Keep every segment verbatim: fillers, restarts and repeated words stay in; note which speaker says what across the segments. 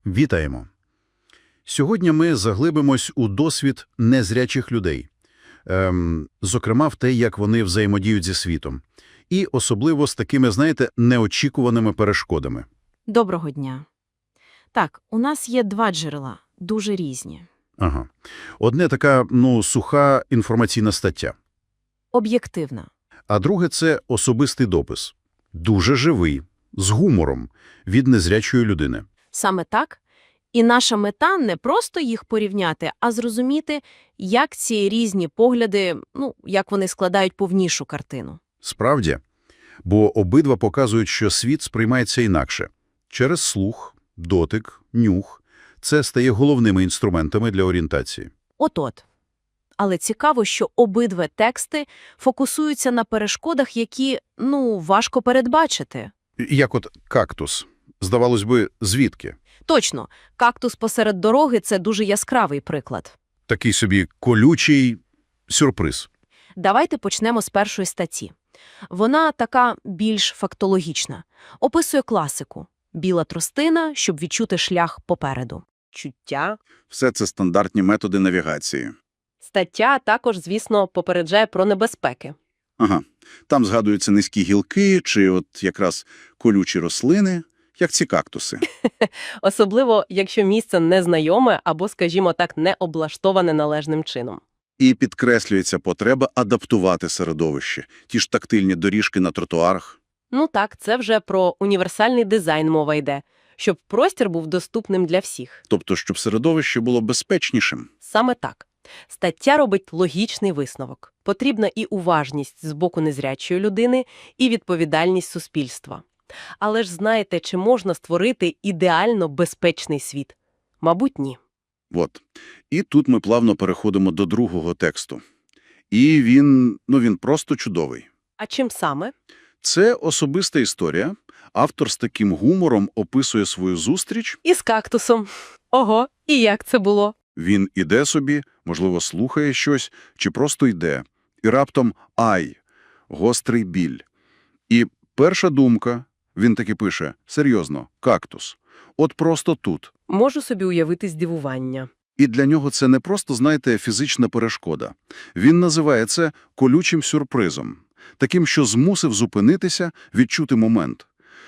Speaker 1: Вітаємо! Сьогодні ми заглибимось у досвід незрячих людей, ем, зокрема в те, як вони взаємодіють зі світом. І особливо з такими, знаєте, неочікуваними перешкодами.
Speaker 2: Доброго дня. Так, у нас є два джерела, дуже різні.
Speaker 1: Ага. Одне така, ну, суха інформаційна стаття.
Speaker 2: Об'єктивна.
Speaker 1: А друге – це особистий допис. Дуже живий, з гумором, від незрячої людини.
Speaker 2: Саме так. І наша мета не просто їх порівняти, а зрозуміти, як ці різні погляди, ну, як вони складають повнішу картину.
Speaker 1: Справді. Бо обидва показують, що світ сприймається інакше. Через слух, дотик, нюх. Це стає головними інструментами для орієнтації.
Speaker 2: От-от. Але цікаво, що обидва тексти фокусуються на перешкодах, які, ну, важко передбачити.
Speaker 1: Як от кактус. Здавалось би, звідки?
Speaker 2: Точно, кактус посеред дороги – це дуже яскравий приклад.
Speaker 1: Такий собі колючий сюрприз.
Speaker 2: Давайте почнемо з першої статті. Вона така більш фактологічна. Описує класику. Біла тростина, щоб відчути шлях попереду. Чуття.
Speaker 3: Все це стандартні методи навігації.
Speaker 4: Стаття також, звісно, попереджає про небезпеки.
Speaker 3: Ага. Там згадуються низькі гілки чи от якраз колючі рослини, як ці кактуси.
Speaker 4: Особливо, якщо місце незнайоме або, скажімо так, не облаштоване належним чином.
Speaker 3: І підкреслюється потреба адаптувати середовище. Ті ж тактильні доріжки на тротуарах.
Speaker 4: Ну так, це вже про універсальний дизайн мова йде, щоб простір був доступним для всіх.
Speaker 3: Тобто, щоб середовище було безпечнішим.
Speaker 4: Саме так. Стаття робить логічний висновок. Потрібна і уважність з боку незрячої людини, і відповідальність суспільства. Але ж знаєте, чи можна створити ідеально безпечний світ? Мабуть, ні.
Speaker 3: От. І тут ми плавно переходимо до другого тексту. І він, ну він просто чудовий.
Speaker 4: А чим саме?
Speaker 3: Це особиста історія. Автор з таким гумором описує свою зустріч.
Speaker 4: Із кактусом. Ого, і як це було?
Speaker 3: Він іде собі, можливо, слухає щось, чи просто йде. І раптом – ай! Гострий біль. І перша думка, він таки пише, серйозно, кактус. От просто тут.
Speaker 4: Можу собі уявити здивування.
Speaker 3: І для нього це не просто, знаєте, фізична перешкода. Він називає це колючим сюрпризом. Таким, що змусив зупинитися, відчути момент.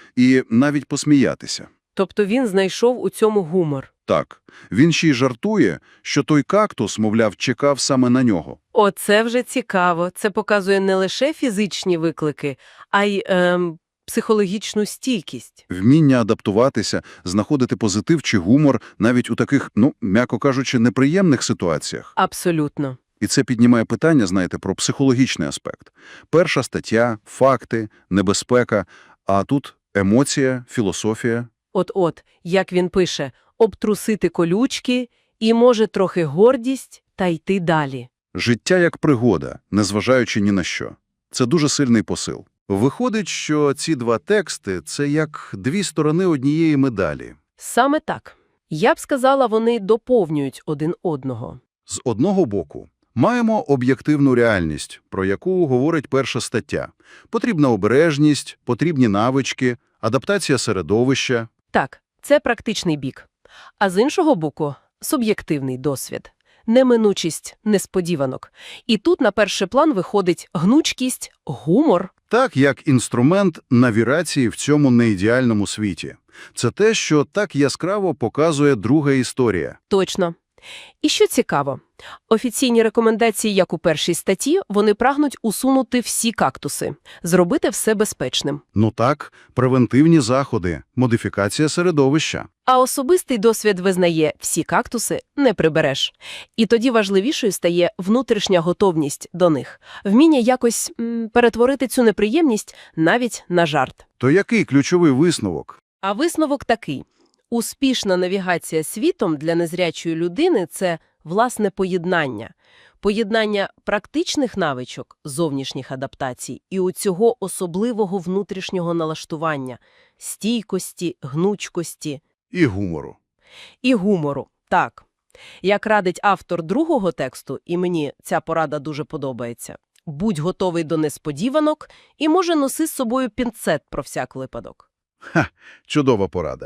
Speaker 3: І навіть посміятися.
Speaker 4: Тобто він знайшов у цьому гумор.
Speaker 3: Так, він ще й жартує, що той кактус, мовляв, чекав саме на нього.
Speaker 4: Оце вже цікаво. Це показує не лише фізичні виклики, а й ем, психологічну стійкість.
Speaker 3: Вміння адаптуватися, знаходити позитив чи гумор навіть у таких, ну, м'яко кажучи, неприємних ситуаціях.
Speaker 4: Абсолютно.
Speaker 3: І це піднімає питання, знаєте, про психологічний аспект. Перша стаття, факти, небезпека, а тут емоція, філософія.
Speaker 4: От-от, як він пише, обтрусити колючки і, може, трохи гордість та йти далі.
Speaker 3: Життя як пригода, незважаючи ні на що. Це дуже сильний посил. Виходить, що ці два тексти – це як дві сторони однієї медалі.
Speaker 4: Саме так. Я б сказала, вони доповнюють один одного.
Speaker 3: З одного боку, маємо об'єктивну реальність, про яку говорить перша стаття. Потрібна обережність, потрібні навички, адаптація середовища.
Speaker 4: Так, це практичний бік. А з іншого боку – суб'єктивний досвід. Неминучість несподіванок. І тут на перший план виходить гнучкість, гумор.
Speaker 3: Так, як інструмент навігації в цьому неідеальному світі. Це те, що так яскраво показує друга історія.
Speaker 4: Точно. І що цікаво, офіційні рекомендації, як у першій статті, вони прагнуть усунути всі кактуси, зробити все безпечним.
Speaker 3: Ну так, превентивні заходи, модифікація середовища.
Speaker 4: А особистий досвід визнає, всі кактуси не прибереш. І тоді важливішою стає внутрішня готовність до них, вміння якось м, перетворити цю неприємність навіть на жарт.
Speaker 3: То який ключовий висновок?
Speaker 4: А висновок такий. Успішна навігація світом для незрячої людини – це, власне, поєднання. Поєднання практичних навичок, зовнішніх адаптацій і у цього особливого внутрішнього налаштування, стійкості, гнучкості.
Speaker 3: І гумору.
Speaker 4: І гумору, так. Як радить автор другого тексту, і мені ця порада дуже подобається, будь готовий до несподіванок і, може, носи з собою пінцет про всяк випадок.
Speaker 3: Ха, чудова порада.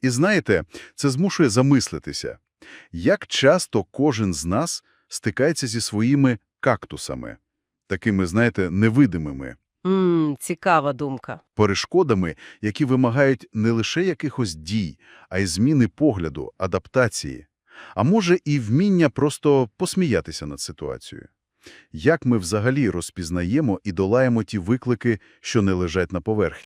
Speaker 1: І знаєте, це змушує замислитися, як часто кожен з нас стикається зі своїми кактусами, такими, знаєте, невидимими,
Speaker 4: Мм, цікава думка.
Speaker 1: перешкодами, які вимагають не лише якихось дій, а й зміни погляду, адаптації. А може і вміння просто посміятися над ситуацією. Як ми взагалі розпізнаємо і долаємо ті виклики, що не лежать на поверхні?